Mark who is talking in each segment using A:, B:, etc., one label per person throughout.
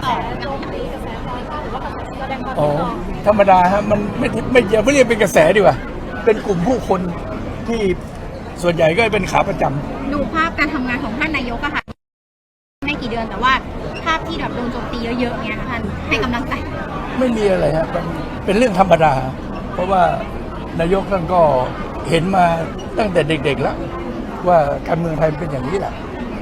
A: โจมตีกระแสต่อต้านหรือว่าแสดงความ
B: อ๋อ
A: คิดต่อ
B: ธรรมดาฮะมันไม่อย่าไม่เรียกเป็นกระแสดีกว่าเป็นกลุ่มผู้คนที่ส่วนใหญ่ก็เป็นขาประจำ
C: ดูภาพการทำงานของท่านนายกอะค่ะไม่กี่เดือนแต่ว่าภาพที่แบบโดนโจมตีเยอะๆเนี่ยท่านให้กำลังใจ
B: ไม่มีอะไรฮะมันเป็นเรื่องธรรมดา เพราะว่านายกท่านก็เห็นมาตั้งแต่เด็กๆแล้วว่าการเมืองไทยเป็นอย่างนี้แหละ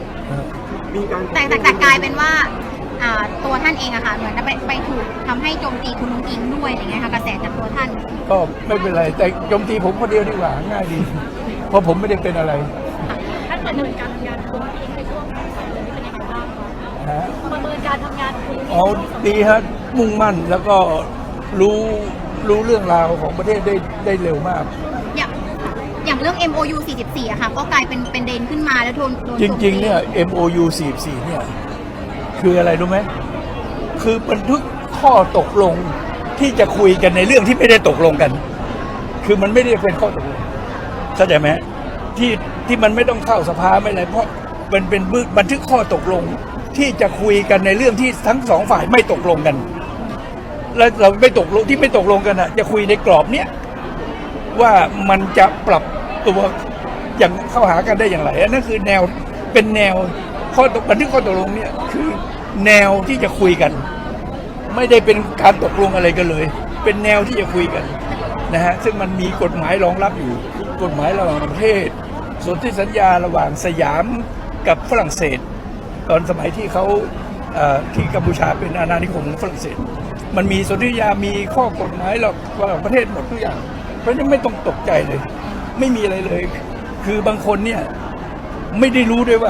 C: แต่กลายเป็นว่าตัวท่านเองอะค่ะเหมือนไปถูกทำให้โจมตีคุณนุ้งอิงด้วยอะไรเงี้ยค่ะกระแสจากตัวท่าน
B: ก็ไม่เป็นไรแต่โจมตีผมคนเดียวดีกว่าง่ายดี เพราะผมไม่ได้เป็นอะไร
A: ท่านประเมินการทำงานคุณอิงในช่วง2 เดือนนี้เป็นยังไงบ้างคะ
B: ฮะ
A: ประเมินการทำงานคุณอิง
B: อ๋อดีฮะมุ่งมั่นแล้วก็รู้เรื่องราวของประเทศได้เร็วมาก
C: อย่างเรื่อง MOU 44อะค่ะก็กลายเป็นประเด็นขึ้นมาแล้วโดนโจม
B: จ
C: ตี
B: ริงๆเนี่ย MOU 44เนี่ยคืออะไรรู้ไหมคือบันทึกข้อตกลงที่จะคุยกันในเรื่องที่ไม่ได้ตกลงกัน คือมันไม่ได้เป็นข้อตกลงเข้าใจไหมที่มันไม่ต้องเข้าสภาไม่อะไรเพราะมันเป็นบันทึกข้อตกลงที่จะคุยกันในเรื่องที่ทั้งสองฝ่ายไม่ตกลงกัน แล้วเราไม่ตกลงที่ไม่ตกลงกันอ่ะจะคุยในกรอบเนี้ยว่ามันจะปรับตัวอย่างเข้าหากันได้อย่างไรอันนั้นคือแนวเป็นแนวบันทึกข้อตกลงเนี่ยคือแนวที่จะคุยกัน ไม่ได้เป็นการตกลงอะไรกันเลย เป็นแนวที่จะคุยกันนะฮะซึ่งมันมีกฎหมายรองรับอยู่กฎหมายระหว่างประเทศสนธิสัญญาระหว่างสยามกับฝรั่งเศส ตอนสมัยที่เขาที่กัมพูชาเป็นอาณานิคมของฝรั่งเศสมันมีสนธิสัญญามีข้อกฎหมายระหว่างประเทศหมดทุกอย่างเพราะฉะนั้นไม่ต้องตกใจเลยไม่มีอะไรเลยคือบางคนเนี่ยไม่ได้รู้ด้วยว่า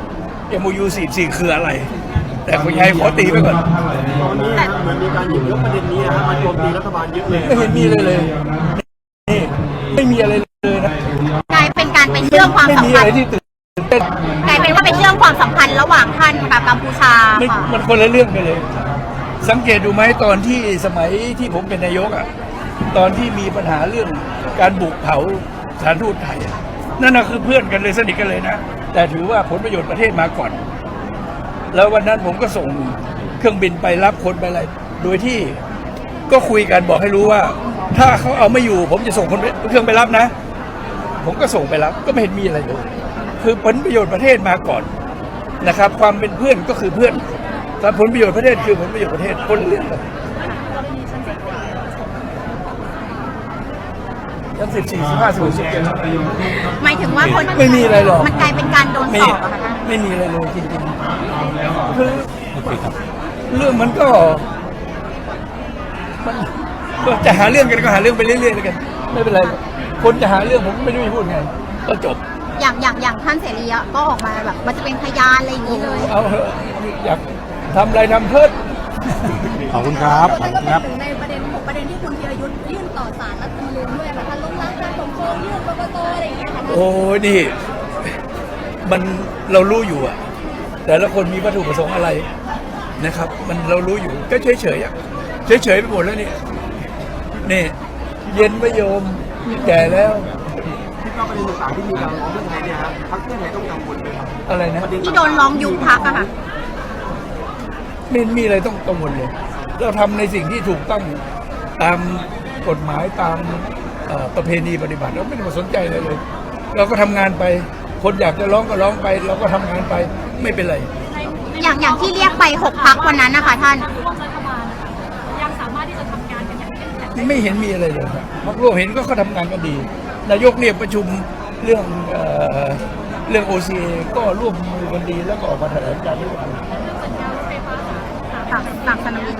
B: MOU 44คืออะไรแต่คนไทยขอตีไปก่อน
D: ตอนนี้มันมีการหยิบยกประเด็นนี้นะครับมาโจมตีรัฐบาลเยอะเลย
B: ไม่เห็นมีเลยนี่ไม่มีอะไรเลยนะ
C: กลายเป็นการไปเชื่อมความ
B: ไม่
C: สัม
B: มี
C: พั
B: อะ
C: น
B: ไร
C: ธ์
B: ที่ตื่นเต้น
C: กลายเป็นว่าไปเชื่อมความสัมพันธ์ระหว่างท่านกับกัมพูชา
B: ไม่
C: ค่ะ
B: มันคนละเรื่องกันเลย สังเกตดูไหมตอนที่สมัยที่ผมเป็นนายกอ่ะตอนที่มีปัญหาเรื่องการบุกเผาสถานทูตไทยอะนั่นน่ะคือเพื่อนกันเลยสนิทกันเลยนะแต่ถือว่าผลประโยชน์ประเทศมาก่อน แล้ววันนั้นผมก็ส่งเครื่องบินไปรับคนไปอะไรโดยที่ก็คุยกันบอกให้รู้ว่า ถ้าเขาเอาไม่อยู่ ผมจะส่งคนเครื่องไปรับนะ ผมก็ส่งไปรับก็ไม่เห็นมีอะไรเลยคือผลประโยชน์ประเทศมาก่อนนะครับ ความเป็นเพื่อนก็คือเพื่อนแต่ผลประโยชน์ประเทศคือผลประโยชน์ประเทศคนละเรื่องกันชั้น14 15 16 17
C: หมายถึงว่าคน
B: ไม่มีอะไรหรอก
C: มันกลายเป็นการโดนสอบอะค่ะท่าน
B: ไม่มีอะไรเลยจริงๆคือเรื่องมันก็จะหาเรื่องกันก็หาเรื่องไปเรื่อยๆแล้วกันไม่เป็นไรคนจะหาเรื่องผมไม่รู้จะพูดไงก็จบ
C: อย่างท่านเสรีอะก็ออกมาแบบมันจะเป็นพยานอะไรอย่างนี้เลย
B: เอาเถอะอยากทำอะไรทำเพิ่ม
E: ขอบคุณครับขอบ
A: ท่าน
E: คุ
A: ก็
E: ณ
A: ไป
E: ครับ
A: ถึงในประเด็น6 ประเด็นที่คุณธีรยุทธ์ยื่นต่อศาลรัฐธรรมนูญด้วยค่ะท่านล้มล้างการปกครองยื่นกกตอะไรอย่างเงี้ยค่ะท่าน
B: โอ้ยนี่มันเรารู้อยู่อะแต่ละคนมีวัตถุประสงค์อะไรนะครับ มันเรารู้อยู่ก็เฉยๆอะเฉยๆไปหมดแล้วนี่เย็นไม่โยมแก่แล้ว
D: ที่ว่าประเด็นต่างๆที่มีการร้องเพื่อไทยเนี่ยฮะพรรคเพื่อไทยต้องกังวลไหมครับ
B: อะไรนะ
C: ที่โดนร้องยุบพักอะค่ะ
B: ไม่มีอะไรต้องกังวลเลยเราทำในสิ่งที่ถูกต้องตามกฎหมายตามประเพณีปฏิบัติเราไม่ได้มาสนใจเลย เราก็ทำงานไป คนอยากจะร้องก็ร้องไป เราก็ทำงานไปไม่เป็นไร
C: อย่างที่เรียกไป6พักวันนั้นนะคะท่าน
A: ร่วมรัฐบาลยังสามารถที่จะทำงานกันอย่างเข้มแข็ง
B: ไม่เห็นมีอะไรเลยครับพรรคร่วมเห็นก็เขาทำงานกันดี นายกเรียกประชุมเรื่อง OCA ก็ร่วมมือกันดีแล้วก็ออกมาแถลงการณ์ด้วยกัน
C: ต่างสนามบิน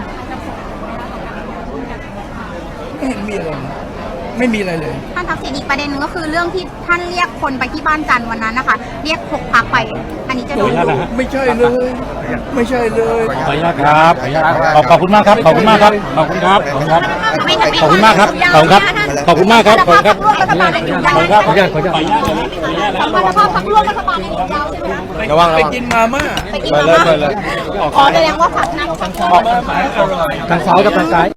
B: ไม่เห็นมีอะไรนะไม่มีอะไรเลย
C: ท่านทักษิณอีกประเด็นหนึงก็คือเรื่องที่ท่านเรียกคนไปที่บ้านจันทร์วันนั้นนะคะ เรียก6พักไป อันนี้จะโดน
B: ไม่ใช่เลย ไม่ใช่เลย
E: ขออนุญาตครับขอบคุณมากครับขอบคุณมากครับขอบคุณครับขอบคุณครับขอบคุณมากครับขอบคุณครับขอบคุณมากครับขอบคุณครับ
C: ร่วมรัฐบาลในหยุดยาว
E: ขออนุญาตขออนุญาตขออนุญาต
A: สมรรถภาพพรรคร่วมรัฐบาลในหยุดยาวใช่ไหมคะ
E: ระวัง
B: ไปกินมาม่า
C: ไปกินมาม่าอ๋อแสดงว่าผักนั่ง
B: มาม่าอร่อย
E: ทางซ้ายกับทางซ้าย